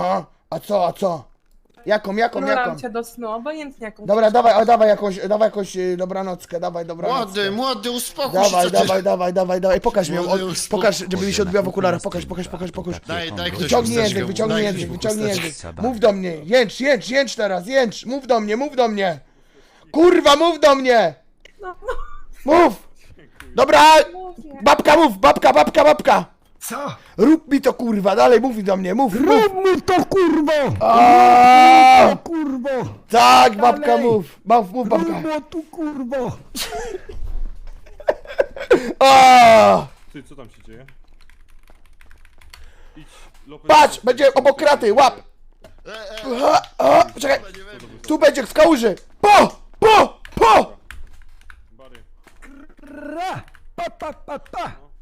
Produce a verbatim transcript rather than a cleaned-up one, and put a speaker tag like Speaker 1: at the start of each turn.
Speaker 1: Aha, a co, a co? Jaką, jaką, jaką?
Speaker 2: Nuram cię do snu, obojętnie jaką.
Speaker 1: Dobra, dawaj, o, dawaj jakąś, dawaj jakąś y, dobranockę, dawaj dobranockę.
Speaker 3: Młody, młody, uspokój
Speaker 1: Dawaj,
Speaker 3: się, co
Speaker 1: dawaj,
Speaker 3: ty...
Speaker 1: dawaj, dawaj, dawaj, pokaż mi ją,
Speaker 3: Młody,
Speaker 1: od,
Speaker 3: uspokój.
Speaker 1: pokaż, żeby mi się odbiła w okularach, pokaż, pokaż, pokaż, pokaż.
Speaker 3: Daj, daj ktoś
Speaker 1: Wyciągnij
Speaker 3: chusteczkę,
Speaker 1: język, wyciągnij
Speaker 3: daj
Speaker 1: język,
Speaker 3: ktoś
Speaker 1: wyciągnij
Speaker 3: chusteczkę.
Speaker 1: język. Mów do mnie, jęcz, jęcz, jęcz teraz, jęcz, mów do mnie, mów do mnie. Kurwa, mów do mnie.
Speaker 2: No,
Speaker 1: Mów. Dobra,
Speaker 2: mówię.
Speaker 1: babka mów, babka, babka, babka.
Speaker 4: Co?
Speaker 1: Rób mi to kurwa, dalej mów do mnie, mów, mów.
Speaker 4: Rób mi to kurwo!
Speaker 1: Aaaa!
Speaker 4: O kurwo!
Speaker 1: Tak, babka
Speaker 4: Dalej.
Speaker 1: mów, mów, mów babka.
Speaker 4: Rób mi tu kurwo!
Speaker 1: Aaaa!
Speaker 5: Ty, co tam się dzieje? Idź, Lopez.
Speaker 1: Patrz, będzie obok kraty, łap.
Speaker 3: E, e,
Speaker 1: A, a, czekaj,
Speaker 3: nie wiem.
Speaker 1: tu będzie w kałuży. Po, po, po.
Speaker 5: Bary.
Speaker 4: Ra! Pa pa pa pa!